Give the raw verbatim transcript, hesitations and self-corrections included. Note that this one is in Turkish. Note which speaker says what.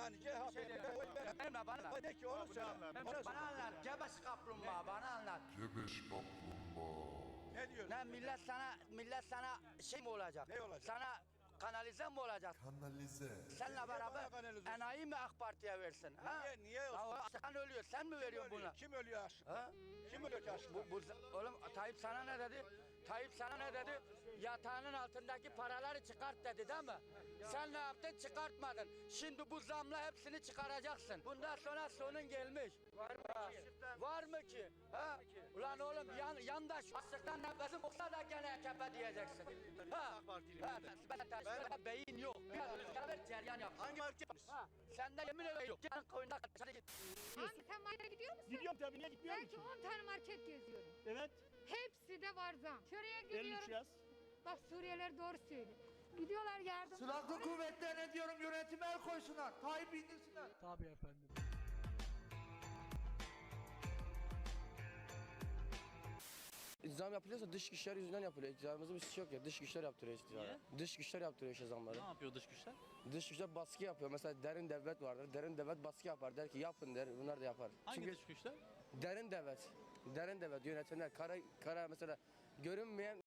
Speaker 1: Yani C H P'ye oy ver.
Speaker 2: Benimle bana anlat.
Speaker 1: De ki onu söyle. Onu söyle.
Speaker 2: Bana anlat. Gebeş kaplumbağa bana anlat.
Speaker 3: Gebeş kaplumbağa.
Speaker 1: Ne diyorsun?
Speaker 2: Ne millet sana millet sana şey mi olacak?
Speaker 1: Ne olacak?
Speaker 2: Sana kanalize mi olacak?
Speaker 3: Kanalize.
Speaker 2: Seninle
Speaker 1: bana
Speaker 2: beraber
Speaker 1: kanalize
Speaker 2: enayi mi AK Parti'ye versin? Ha?
Speaker 1: Niye, niye olsun?
Speaker 2: Ya o açlıktan ölüyor. Sen mi veriyorsun
Speaker 1: Kim
Speaker 2: buna?
Speaker 1: ölüyor? Kim ölüyor aşkına?
Speaker 2: Ha?
Speaker 1: Kim ölüyor ki aşkına?
Speaker 2: Bu, bu, oğlum Tayyip sana ne dedi? Tayyip sana ne dedi? Yatağının altındaki paraları çıkart dedi değil mi? Sen ne yaptın? Çıkartmadın. Şimdi bu zamla hepsini çıkaracaksın. Bundan sonra sonun gelmiş. Var mı ki? Var mı ki? Ha? Ulan oğlum yan, yandaş açlıktan nefesim olsa da gene A K P diyeceksin. Ha? Ha, ben, ben, ben, beyin yok. Biraz beraber ceryan yap.
Speaker 1: Hangi parti yapmış?
Speaker 2: Ha? Sende yemin ederim yok. Gel koyunda kaçarı git.
Speaker 4: Abi sen markete gidiyor musun?
Speaker 5: Gidiyorum tabii, niye gitmiyorum
Speaker 4: Belki
Speaker 5: ki?
Speaker 4: on tane market geziyorum.
Speaker 5: Evet,
Speaker 4: Hepsi de var zam. Şuraya
Speaker 5: elli üç
Speaker 4: gidiyorum.
Speaker 5: yaz.
Speaker 4: Bak Suriyeliler doğru söylüyor. Gidiyorlar yardım.
Speaker 6: Silahlı kuvvetlerine diyorum yönetime el koysunlar. Tayyip indirsinler.
Speaker 5: Tabii efendim.
Speaker 7: Zam yapılıyorsa dış güçler yüzünden yapılıyor. İktidarımızın bir suçu yok ya. Dış güçler yaptırıyor iktidara. Dış güçler yaptırıyor işte zamları.
Speaker 8: Ne yapıyor dış güçler?
Speaker 7: Dış güçler baskı yapıyor. Mesela derin devlet vardır. Derin devlet baskı yapar. Der ki yapın der. Bunlar da yapar.
Speaker 8: Hangi
Speaker 7: Çünkü
Speaker 8: dış güçler?
Speaker 7: derin devlet. Derin devlet yönetenler. Kara, kara mesela görünmeyen